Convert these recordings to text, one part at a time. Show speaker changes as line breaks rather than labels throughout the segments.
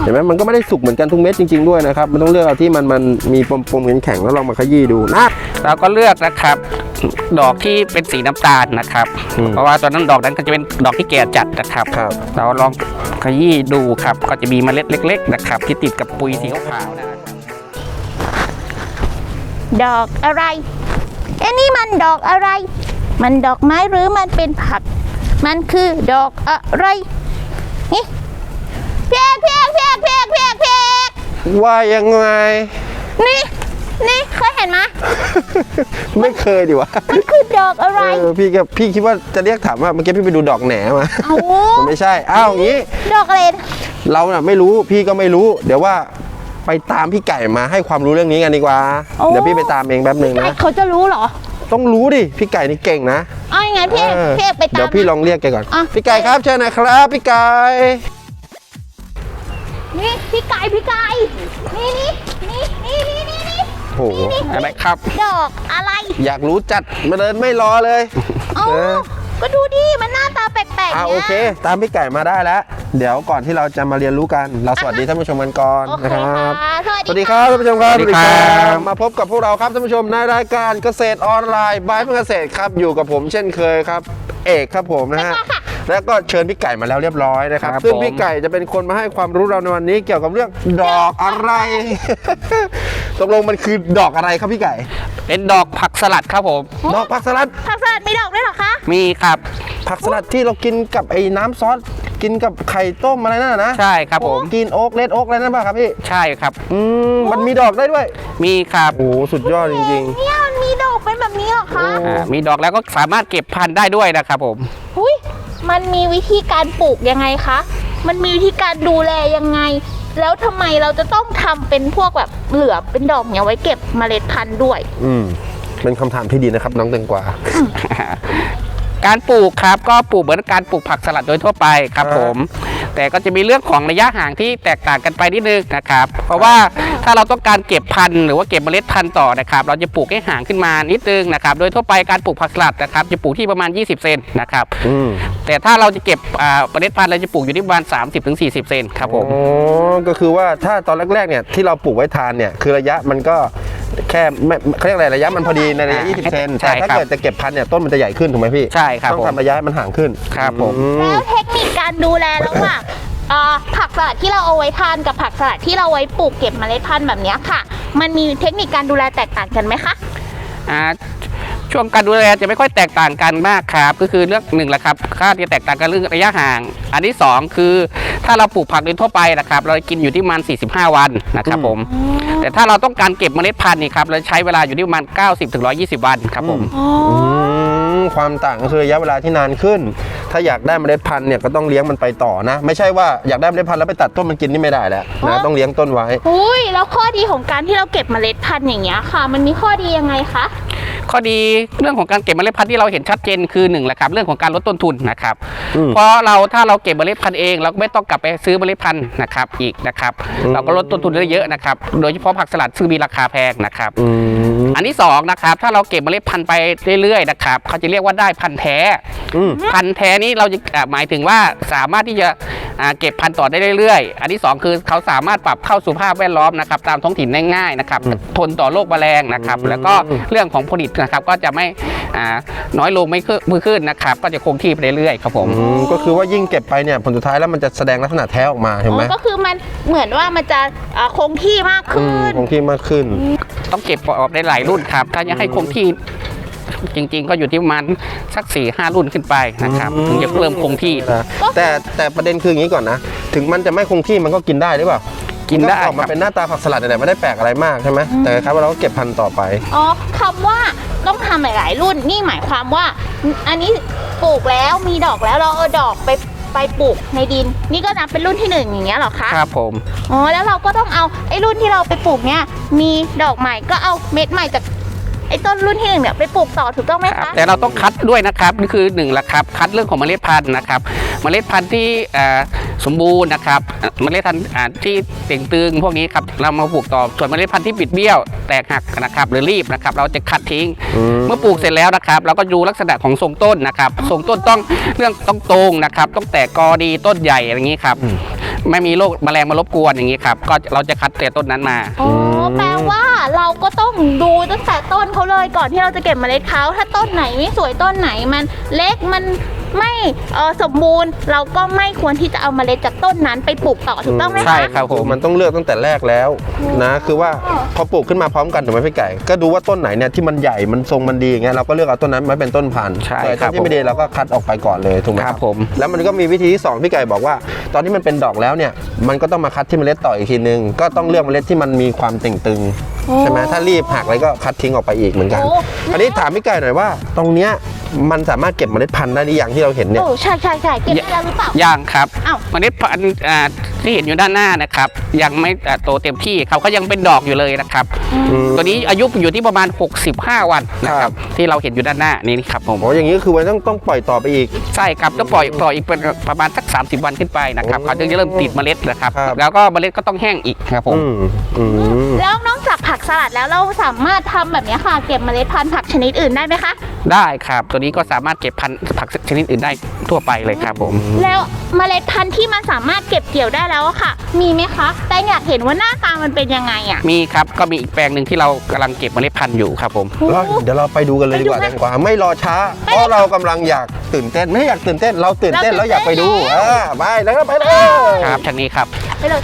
ห็นไหมมันก็ไม่ได้สุกเหมือนกันทุกเม็ดจริงๆด้วยนะครับมันต้องเลือกเอาที่มันมีปมๆแข็งๆแล้วลองมาขยี้ดูนะ
เราก็เลือกนะครับดอกที่เป็นสีน้ำตาลนะครับเพราะว่าตอนนั้นดอกนั้นก็จะเป็นดอกที่แก่จัดนะครับเราลองขยี้ดูครับก็จะมีเมล็ดเล็กๆนะครับที่ติดกับปุ๋ยสีขาวๆนะครับ
ดอกอะไรนี่มันดอกอะไรมันดอกไม้หรือมันเป็นผักมันคือดอกอะไรนี่เพียก
ว่ายังไง
นี่เคยเห็นไหม
ไม่เคยดิวะ
มันคือดอกอะไร
พี่คิดว่าจะเรียกถามว่าเมื่อกี้พี่ไปดูดอกแหนมามันไม่ใช่อย่างนี้
ดอกอะไร
เราน่ะไม่รู้พี่ก็ไม่รู้เดี๋ยวว่าไปตามพี่ไก่มาให้ความรู้เรื่องนี้กันดีกว่าเดี๋ยวพี่ไปตามเองแป๊บนึงนะ
เขาจะรู้เหรอ
ต้องรู้ดิพี่ไก่นี่เก่งนะ
ยังไงพี่ไปตาม
เดี๋ยวพี่ลองเรียกแกก่อนพี่ไก่ครับเชิญนะครับพี่ไก่
นี่พี่ไก่นี่
โอ้โห
อะไรครับ
ดอกอะไร
อยากรู้จัดมาเดินไม่รอเลย
ก็ดูดิมันหน้าตาแปลกๆ
โอเคตามพี่ไก่มาได้แล้วเดี๋ยวก่อนที่เราจะมาเรียนรู้กันเราสวัสดีท่านผู้ชมกันก่อนนะครับสวัสดีครับท่านผู้ชมครับสวัสดีครับมาพบกับพวกเราครับท่านผู้ชมในรายการเกษตรออนไลน์บายเพื่อเกษตรครับอยู่กับผมเช่นเคยครับเอกครับผมนะฮะแล้วก็เชิญพี่ไก่มาแล้วเรียบร้อยนะครับซึ่งพี่ไก่จะเป็นคนมาให้ความรู้เราในวันนี้เกี่ยวกับเรื่องดอกอะไรตกลงมันคือดอกอะไรครับพี่ไก่
เป็นดอกผักสลัดครับผม
ดอกผักสลัด
มีดอกด้วยเหรอคะ
มีครับ
ผักสลัดที่เรากินกับไอ้น้ำซอสกินกับไข่ต้มอะไรนั่นนะ
ใช่ครับผม
กินโอ๊กเลดโอ๊กอะไรนั่นป่ะครับพี่
ใช่ครับ
มันมีดอกได้ด้วย
มีครับ
โอ้สุดยอดจริง
ๆเนี่ยมันมีดอกเป็นแบบนี้เหรอคะ
มีดอกแล้วก็สามารถเก็บพันธุ์ได้ด้วยนะครับผม
มันมีวิธีการปลูกยังไงคะมันมีวิธีการดูแลยังไงแล้วทำไมเราจะต้องทำเป็นพวกแบบเหลือเป็นดอกเนี่ยไว้เก็บเมล็ดพันธุ์ด้วย
เป็นคำถามที่ดีนะครับน้องแตงกวา
การปลูกครับก็ปลูกเหมือนการปลูกผักสลัดโดยทั่วไปครับผมแต่ก็จะมีเรื่องของระยะห่างที่แตกต่างกันไปนิดนึงนะครับเพราะว่าถ้าเราต้องการเก็บพันธุ์หรือว่าเก็บเมล็ดพันธุ์ต่อนะครับเราจะปลูกให้ห่างขึ้นมานิดนึงนะครับโดยทั่วไปการปลูกผักสลัดนะครับจะปลูกที่ประมาณ20เซนนะครับแต่ถ้าเราจะเก็บเมล็ดพันธุ์เราจะปลูกอยู่ที่ประมาณ30-40เซนครับผม
ก็คือว่าถ้าตอนแรกๆเนี่ยที่เราปลูกไว้ทานเนี่ยคือระยะมันก็แค่เขาเรียกอะไรระยะมันพอดีในระยะ20เซนแต่ถ้าเกิดจะเก็บพันธุ์เนี่ยต้นมันจะใหญ่ขึ้นถูกไหมพี่
ใช่ครับ
ต้องทำระยะมันห่างขึ้น
ครับผม
แล้วเทคนิคการดูแลระหว่างผักสลัดที่เราเอาไว้ทานกับผักสลัดที่เราไว้ปลูกเก็บเมล็ดพันธุ์แบบนี้ค่ะมันมีเทคนิคการดูแลแตกต่างกันไหมคะ
ช่วงการดูแลจะไม่ค่อยแตกต่างกันมากครับก็คือเรื่องหนึ่งแหละครับค่าที่แตกต่างกันเรื่องระยะห่างอันที่2คือถ้าเราปลูกผักโดยทั่วไปนะครับเรากินอยู่ที่ประมาณ45วันนะครับผมแต่ถ้าเราต้องการเก็บเมล็ดพันธุ์นี่ครับเราใช้เวลาอยู่ที่ประมาณ90-120วันครับผม
ความต่างก็คือระยะเวลาที่นานขึ้นถ้าอยากได้เมล็ดพันธุ์เนี่ยก็ต้องเลี้ยงมันไปต่อนะไม่ใช่ว่าอยากได้เมล็ดพันธุ์แล้วไปตัดต้นมันกินนี่ไม่ได้แล้วนะต้องเลี้ยงต้นไว้
แล้วข้อดีของการที่เราเก็บเมล็ดพันธุ์อย่างเงี้ยค่ะมันมีข้อดียังไงคะ
ข้อดีเรื่องของการเก็บเมล็ดพันธุ์ที่เราเห็นชัดเจนคือ1แหละครับเรื่องของการลดต้นทุนนะครับเพราะถ้าเราเก็บเมล็ดพันธุ์เองเราก็ไม่ต้องกลับไปซื้อเมล็ดพันธุ์นะครับอีกนะครับเราก็ลดต้นทุนได้เยอะนะครับโดยเฉพาะผักสลัดซึ่งมีราคาแพงนะครับอันที่2นะครับถ้าเราเก็บเมล็ดพันธุ์ไปเรื่อยๆนะครับเขาจะเรียกว่าได้พันธุ์แท้พันธุ์แท้นี้เราจะหมายถึงว่าสามารถที่จะเก็บพันธุ์ต่อได้เรื่อยๆอันที่2คือเขาสามารถปรับเข้าสู่ภาพแวดล้อมนะครับตามท้องถิ่นได้ง่ายนะครับทนต่อโรคแมลงนะครับแล้วก็เรื่องของผลิตนะครับก็จะไม่น้อยลงไม่ขึ้นนะครับก็จะคงที่ไปเรื่อยๆครับผม
ก็คือว่ายิ่งเก็บไปเนี่ยผลสุดท้ายแล้วมันจะแสดงลักษณะแท้ออกมาเห็นไหม
ก็คือมันเหมือนว่ามันจะคงที่มากขึ้น
คงที่มากขึ้น
ต้องเก็บออกได้หลายรุ่นครับถ้าจะให้คงที่จริงๆก็อยู่ที่ประมาณสัก 4-5 รุ่นขึ้นไปนะครับถึงจะเริ่มคงที่
แต่ประเด็นคืออย่างนี้ก่อนนะถึงมันจะไม่คงที่มันก็กินได้หรือเปล่า
กินได้
ออกมาเป็นหน้าตาผักสลัดแต่ไม่ได้แปลกอะไรมากใช่ไหมแต่ครับว่าเราก็เก็บพันธุ์ต่อไป
คำว่าต้องทำหลายๆรุ่นนี่หมายความว่าอันนี้ปลูกแล้วมีดอกแล้วเราเอาดอกไปปลูกในดินนี่ก็นับเป็นรุ่นที่1อย่างเงี้ยหรอคะ
ครับผม
แล้วเราก็ต้องเอาไอ้รุ่นที่เราไปปลูกเนี่ยมีดอกใหม่ก็เอาเม็ดใหม่จากไอ้ต้นรุ่นที่1เนี่ยไปปลูกต่อถูกต้องไหมคะ
แต่เราต้องคัดด้วยนะครับนี่คือ1ละครับคัดเรื่องของเมล็ดพันธุ์นะครับเมล็ดพันธุ์ที่สมบูรณ์นะครับเมล็ดพันธุ์ที่เต่งตึงพวกนี้ครับเรามาปลูกต่อส่วนเมล็ดพันธุ์ที่บิดเบี้ยวแตกหักนะครับหรือรีบนะครับเราจะคัดทิ้งเมื่อปลูกเสร็จแล้วนะครับเราก็ดูลักษณะของทรงต้นนะครับทรงต้นต้องเรื่องต้องตรงนะครับต้องแตกกอดีต้นใหญ่อะไรอย่างนี้ครับไม่มีโรคแมลงมารบกวนอย่างนี้ครับก็เราจะคัดแต่ต้นนั้นมา
อ๋อแปลว่าเราก็ต้องดูตั้งแต่ต้นเขาเลยก่อนที่เราจะเก็บเมล็ดเขาถ้าต้นไหนไม่สวยต้นไหนมันเล็กมันไม่สมบูรณ์เราก็ไม่ควรที่จะเอาเมล็ดจากต้นนั้นไปปลูกต่อถูกต้องไหมคะ
ใช่ครับผม
มันต้องเลือกตั้งแต่แรกแล้วนะคือว่าพอปลูกขึ้นมาพร้อมกันถูกไหมพี่ไก่ก็ดูว่าต้นไหนเนี่ยที่มันใหญ่มันทรงมันดีอย่างเงี้ยเราก็เลือกเอาต้นนั้นมาเป็นต้นพันธุ์
ใช่
แต่
ครั
ต้
บ
นที่ไม่ดีเราก็คัดออกไปก่อนเลยถูกไหม
ค
ค
รั
รั
บบ ผม
แล้วมันก็มีวิธีที่สองพี่ไก่บอกว่า ตอนที่มันเป็นดอกแล้วเนี่ยมันก็ต้องมาคัดที่เมล็ดต่ออีกทีนึงก็ต้องเลือกเมล็ดที่มันมีความเต่งตึงใช่ไหมถ้ารีบหักอะไรก็คัดทิ้งออกไปอีกเหมือนกัน อันนี้ถามพี่ไก่หน่อยว่าตรงเนี้ยมันสามารถเก็บเมล็ดพันธุ์ได้หรือยังที่เราเห็นเนี่ย
โอ้ใช่เก็บได้แล้วหรือเปล่า
ย่างครับ
อ้าว
เมล็ดพันธุ์ที่เห็นอยู่ด้านหน้านะครับยังไม่โตเต็มที่เขาก็ยังเป็นดอกอยู่เลยนะครับตัวนี้อายุอยู่ที่ประมาณ 65 วันนะครับที่เราเห็นอยู่ด้านหน้านี่ครับผม
โอ้อย่างนี้ก็คือมันต้องปล่อยต่อไปอีก
ใช่ครับต้องปล่อยอีกเป็นประมาณสัก30 วันขึ้นไปนะครับ
โอ้
เขาถึงจะเริ่มติดเมล็ดนะครับ
ครับ
แล้วก็เมล็ดก็ต้องแห้งอีกครับผม
แล้วนอกจากผักสลัดแล้วเราสามารถทำแบบนี้ค่ะเก็บเมล็ดพันธุ์ผักชนิดอื่นได้ไหมคะ
ได้ครับตัวนี้ก็สามารถเก็บพันธุ์ผักชนิดอื่นได้ทั่วไปเลยครับผม
แล้วเมล็ดพันธุ์ที่มันสามารถเก็บเกี่ยวได้แล้วอะค่ะ มีไหมคะ แต่อยากเห็นว่าหน้าตามันเป็นยังไงอะ
มีครับก็มีอีกแปลงหนึ่งที่เรากำลังเก็บเมล็ดพันธุ์อยู่ครับผม
เดี๋ยวเราไปดูกันเลยดีกว่า
ไปดูไหม
ดีกว่าไม่รอช้าเพราะเรากำลังอยากตื่นเต้นไม่อยากตื่นเต้นเราตื่นเต้นแล้วอยากไปดูไปแล้วก็ไปเลย
ครับทางนี้ครับ
ไปเลย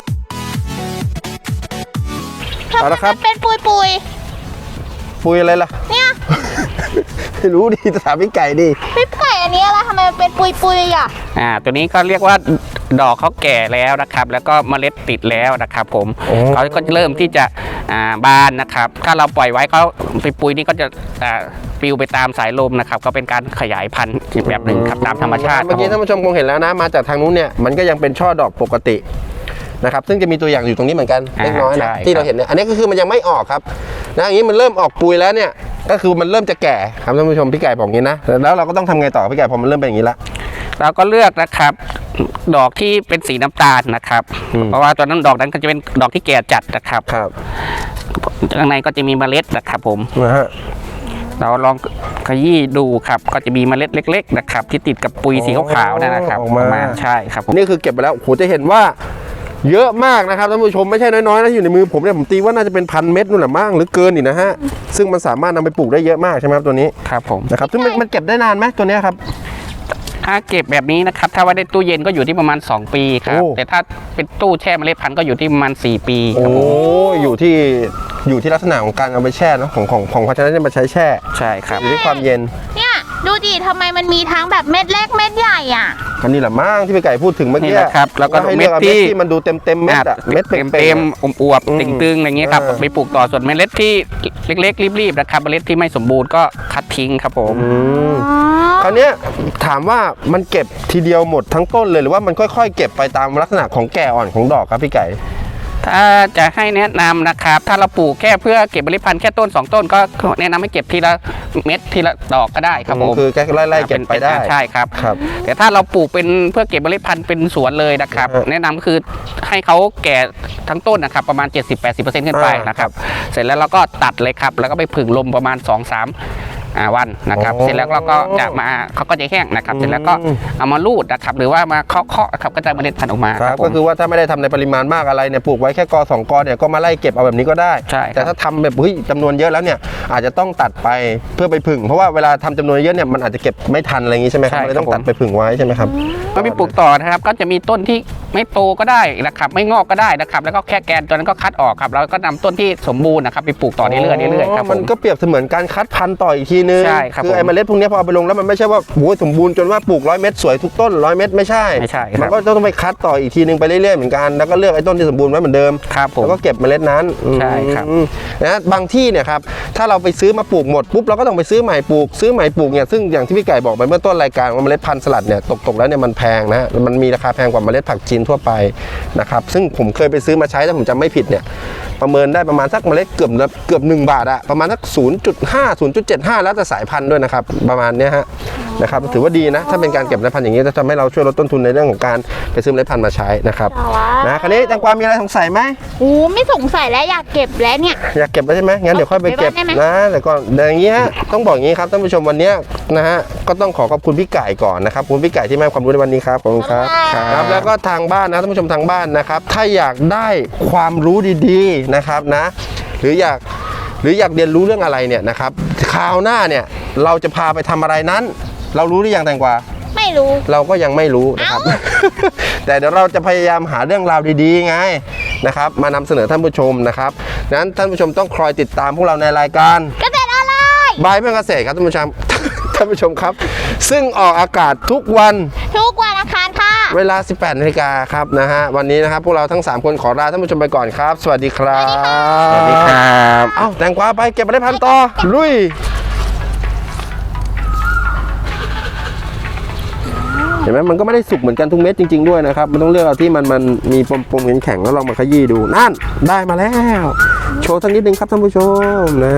เอาละครับ
เป็นปุย
ปุยอะไรล่ะ
ๆเนี่ย
ไม่รู้ดิถามพี่ไก่ดิ
พี่ไก่อันนี้อะไรทำไมมันเป็นปุยๆอะ
ตัวนี้ก็เรียกว่าดอกเขาแก่แล้วนะครับแล้วก็เมล็ดติดแล้วนะครับผม
โอ้
เขาก็จะเริ่มที่จะบานนะครับถ้าเราปล่อยไว้เขาไปปุยนี่ก็จะปลิวไปตามสายลมนะครับก็เป็นการขยายพันธุ์อีกแบบหนึ่งครับตามธรรมชาติค
เมื่
รั
อบ กี้
ผม
ท่านผู้ชมคงเห็นแล้วนะมาจากทางนู้นเนี่ยมันก็ยังเป็นช่อดอกปกตินะครับซึ่งจะมีตัวอย่างอยู่ตรงนี้เหมือนกันเล็กน้อยนะที่เราเห็นเนี่ยอันนี้ก็คือมันยังไม่ออกครับนะอย่างนี้มันเริ่มออกปุยแล้วเนี่ยก็คือมันเริ่มจะแก่ครับท่านผู้ชมพี่ไก่บอกงี้นะแล้วเราก็ต้องทำไงต่อพี่ไก่พอมันเริ่มเป็นอย่างนี้ละ
เราก็เลือกนะครับดอกที่เป็นสีน้ำตาลนะครับ เพราะว่าตอนนั้นดอกนั้นก็จะเป็นดอกที่แก่จัดนะครับ
ครับ
ข้างในก็จะมีเมล็ดนะครับผม
นะฮะ
เราลองขยี้ดูครับก็จะมีเมล็ดเล็ก ๆ นะครับ ที่ติดกับปุยสีขาวๆนั่นนะครับ
ออกมา
ใช่ครับผม
นี่คือเก็บไปแล้วโอ้โหจะเห็นว่าเยอะมากนะครับท่านผู้ชมไม่ใช่น้อยๆนะอยู่ในมือผมเนี่ยผมตีว่าน่าจะเป็น1,000 เม็ดนู่นแหละมั้งหรือเกินอีกนะฮะซึ่งมันสามารถนำไปปลูกได้เยอะมากใช่ไหมครับตัวนี้
ครับผม
นะครับซึ่งมันเก็บได้นานไหมตัวเนี้ยครับ
ถ้าเก็บแบบนี้นะครับถ้าไว้ในตู้เย็นก็อยู่ที่ประมาณ 2 ปีครับ
โอ้
แต่ถ้าเป็นตู้แช่เมล็ดพันธุ์ก็อยู่ที่ประมาณ4 ปีค
โอ้
รับผม
อยู่ที่ลักษณะของการเอาไปแช่เนอะของภาชนะที่มาใช้แช่
ใช่ครับ
อยู่ที่ความเย็น
เนี่ยดูดิทำไมมันมีทั้งแบบเม็ดเล็กเม็ดใหญ่อะ
ก็นี่แหละมั้งที่พี่ไก่พูดถึงเมื่อ
นี่
กี้
แหละครับแล้วก็
ให้เลือกเอา
เม็
เม็
ด
ด
ที่
ที่มันดูเต็มเม็ดอะเม็ดเต็ม
เต็มๆอวบ
อืม
ๆตึงๆอย่างเงี้ยครับ
เออ
ไปปลูกต่อส่วนเมล็ดที่เล็กๆรีบๆนะครับเมล็ดที่ไม่สมบูรณ์ก็คัดทิ้งครับผม
คราวเนี้ยถามว่ามันเก็บทีเดียวหมดทั้งต้นเลยหรือว่ามันค่อยๆ เก็บไปตามลักษณะของแก่อ่อนของดอกครับพี่ไก่
ถ้าจะให้แนะนำนะครับถ้าเราปลูกแค่เพื่อเก็บเมล็ดพันธุ์แค่ต้น 2 ต้นก็แนะนำให้เก็บทีละเม็ดทีละดอกก็ได้ครับผม
คือแค่ไล่ๆเก็บไปได้
ใช่ครับ
ครับ
แต่ถ้าเราปลูกเป็นเพื่อเก็บเมล็ดพันธุ์เป็นสวนเลยนะครับ แนะนำก็คือให้เขาแก่ทั้งต้นนะครับประมาณ 70-80% ขึ้นไปนะครับเสร็จแล้วเราก็ตัดเลยครับแล้วก็ไปผึ่งลมประมาณ 2-3 วันนะครับ
โอ้
เสร็จแล้วเราก็จะมาเขาก็จะแห้งนะครับเสร็จแล้วก็เอามาลูดนะครับหรือว่ามาเคาะๆครับก็จะเมล็ดพันธุ์ออกมา
ครับ
ผม
ก็คือว่าถ้าไม่ได้ทำในปริมาณมากอะไรเนี่ยปลูกไว้แค่กอ2กอเนี่ยก็มาไล่เก็บเอาแบบนี้ก็ได้
ใช่ครับ
แต่ถ้าทำแบบจำนวนเยอะแล้วเนี่ยอาจจะต้องตัดไปเพื่อไปผึ่งเพราะว่าเวลาทำจำนวนเยอะเนี่ยมันอาจจะเก็บไม่ทันอะไรอย่างนี้ใช่ไหมครับเลยต้องตัดไปผึ่งไว้ใช่ไหมครับ
เมื่อมีปลูกต่อนะครับก็จะมีต้นที่ไม่โตก็ได้นะครับไม่งอกก็ได้นะครับแล้วก็แค่แกนตัวนั้นก็คัดออกครับแล้วก็นำต้นที่สมบูรณ์นะครับไปปลูกต่อเรื่อยๆครับผ
มัน
ม
ก็เปรียบเสมือนการคัดพันธุ์ต่ออีกทีนึง
ใช่ครับ
คือไอ้เมล็ดพวกนี้พอเอาไปลงแล้วมันไม่ใช่ว่าโอ้โหสมบูรณ์จนว่าปลูก100 เม็ดสวยทุกต้น100 เม็ดไม่ใช่
ไม่ใช่ครับ
มันก็ต้องไปคัดต่ออีกทีนึงไปเรื่อยๆเหมือนกันแล้วก็เลือกไอ้ต้นที่สมบูรณ์ไว้เหมือนเดิม
ครับผม
แล้วก็เก็บเมล็ดนั้น
ใช่ครับ
นะบางที่เนี่ยครับถ้าเราไปซื้อมาปลูกหมดปุ๊บเราก็ต้องไปซื้อใหม่ปลูกเนี่ยซึ่งอย่างที่พี่ไก่บอกไปเมื่อต้นรายการว่าเมล็ดพันธุ์สลัดเนี่ยตกแล้วเนี่ยมันแพงนะมันมีราคาแพงกว่าเมล็ดผักจีนทั่วไปนะครับซึ่งผมเคยไปซื้อมาใช้ถ้าผมจำไม่ผิดเนี่ยประเมินได้ประมาณสักเมล็ดเกือบ1 บาทอะประมาณสัก 0.5 0.75 แล้วแต่สายพันธุ์ด้วยนะครับประมาณเนี้ยฮะนะครับถือว่าดีนะถ้าเป็นการเก็บเมล็ดพันธุ์อย่างนี้จะทำให้เราช่วยลดต้นทุนในเรื่องของการไปซื้อเมล็ดพันธุ์มาใช้นะครับนะคราวนี้แตงกวามีอะไรสงสัยไหม
โอ้ไม่สงสัยแล้วอยากเก็บแล้วเนี่ย
อยากเก็บแล้วใช่ไหมงั้นเดี๋ยวค่อยไปเก็บ
ได้ไหม
นะแต่ก่อนอย่างนี้ฮะต้องบอกอย่างนี้ครับท่านผู้ชมวันนี้นะฮะก็ต้องขอบคุณพี่ไก่ก่อนนะครับคุณพี่ไก่ที่มาให้ความรู้ในวันนี้ครับขอบคุณครับครับแล้วก็ทางบ้านนะท่านผู้ชมทางบ้านนะครับถ้าอยากได้ความรู้ดีๆนะครับนะหรืออยากเรียนรู้เรื่องอะไรเนี่ยนะครับคราวหน้าเนี่ยเราจะพาไปทำอะไรนั้น เรารู้หรือยังแตงกวา
ไม่รู้
เราก็ยังไม่รู้นะครับ แต่เดี๋ยวเราจะพยายามหาเรื่องราวดีๆไงนะครับมานำเสนอท่านผู้ชมนะครับนั้นท่านผู้ชมต้องคอยติดตามพวกเราในรายการ
เกษตรออนไลน์
บายเพื่อนเกษตรครับท่านผู้ชม ท่านผู้ชมครับ ซึ่งออกอากาศทุกวัน
อังคารค่ะ
เวลา 18 นาฬิกาครับนะฮะวันนี้นะครับพวกเราทั้ง3คนขอลาท่านผู้ชมไปก่อนครับ สวัสดีครับ
สวัสดีครับ
เอ้าแตงกวาไปเก็บเมล็ดพันธุ์ต่อลุยเห็นไหมมันก็ไม่ได้สุกเหมือนกันทุกเม็ดจริงๆด้วยนะครับมันต้องเลือกเอาที่มันมีปมๆแข็งๆแล้วลองมาขยี้ดูนั่นได้มาแล้วโชว์สักนิดนึงครับท่านผู้ชมนะ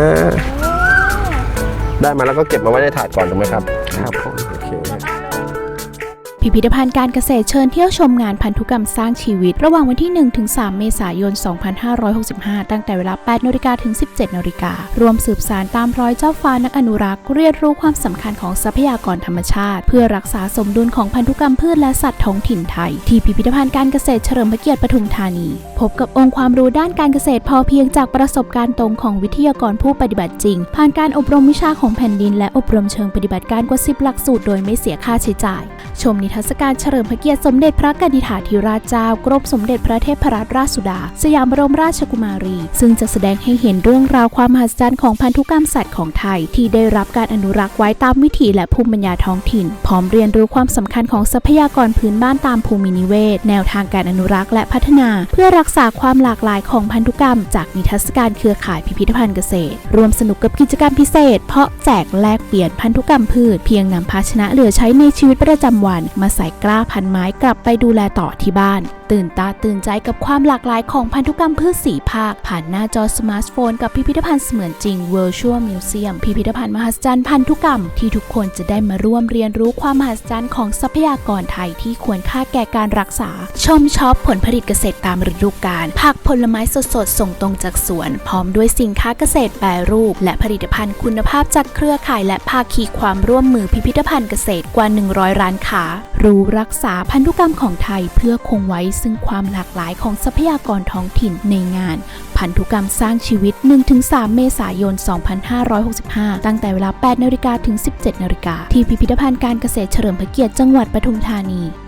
ได้มาแล้วก็เก็บมาไว้ในถาดก่อนถูกไหมครับครับผมโอเค
พิพิธภัณฑ์การเกษตรเชิญเที่ยวชมงานพันธุกรรมสร้างชีวิตระหว่างวันที่ 1-3 เมษายน 2565 ตั้งแต่เวลา 8 นาฬิกาถึง 17 นาฬิการวมสืบสานตามรอยเจ้าฟ้านักอนุรักษ์เรียนรู้ความสำคัญของทรัพยากรธรรมชาติเพื่อรักษาสมดุลของพันธุกรรมพืชและสัตว์ท้องถิ่นไทยที่พิพิธภัณฑ์การเกษตรเฉลิมพระเกียรติปทุมธานีพบกับองค์ความรู้ด้านการเกษตรพอเพียงจากประสบการณ์ตรงของวิทยากรผู้ปฏิบัติจริงผ่านการอบรมวิชาของแผ่นดินและอบรมเชิงปฏิบัติการกว่า 10 หลักสูตรโดยไม่เสียค่าใช้จ่ายชมนิทรรศการเฉลิมพระเกียรติสมเด็จพระกนิษฐาธิราชเจ้ากรมสมเด็จพระเทพรัตนราชสุดาสยามบรมราชกุมารีซึ่งจะแสดงให้เห็นเรื่องราวความมหัศจรรย์ของพันธุกรรมสัตว์ของไทยที่ได้รับการอนุรักษ์ไว้ตามวิถีและภูมิปัญญาท้องถิ่นพร้อมเรียนรู้ความสำคัญของทรัพยากรพื้นบ้านตามภูมินิเวศแนวทางการอนุรักษ์และพัฒนาเพื่อรักษาความหลากหลายของพันธุกรรมจากนิทรรศการเครือข่ายพิพิธภัณฑ์เกษตรร่วมสนุกกับกิจกรรมพิเศษเพาะแจกแลกเปลี่ยนพันธุกรรมพืชเพียงนำภาชนะเหลือใช้ในชีวิตประจำวันมาใส่กล้าพันไม้กลับไปดูแลต่อที่บ้านตื่นตาตื่นใจกับความหลากหลายของพันธุกรรมพืช4ภาคผ่านหน้าจอสมาร์ทโฟนกับพิพิธภัณฑ์เสมือนจริง Virtual Museum พิพิธภัณฑ์มหัศจรรย์พันธุกรรมที่ทุกคนจะได้มาร่วมเรียนรู้ความมหัศจรรย์ของทรัพยากรไทยที่ควรค่าแก่การรักษาชมช็อปผลผลิตเกษตรตามฤดูกาลผักผลไม้สดๆส่งตรงจากสวนพร้อมด้วยสินค้าเกษตรแปรรูปและผลิตภัณฑ์คุณภาพจากเครือข่ายและภาคีความร่วมมือพิพิธภัณฑ์เกษตรกว่า100ร้านค้ารู้รักษาพันธุกรรมของไทยเพื่อคงไว้ซึ่งความหลากหลายของทรัพยากรท้องถิ่นในงานพันธุกรรมสร้างชีวิต 1-3 เมษายน 2565 ตั้งแต่เวลา 8 นาฬิกาถึง 17 นาฬิกาที่พิพิธภัณฑ์การเกษตรเฉลิมพระเกียรติจังหวัดปทุมธานี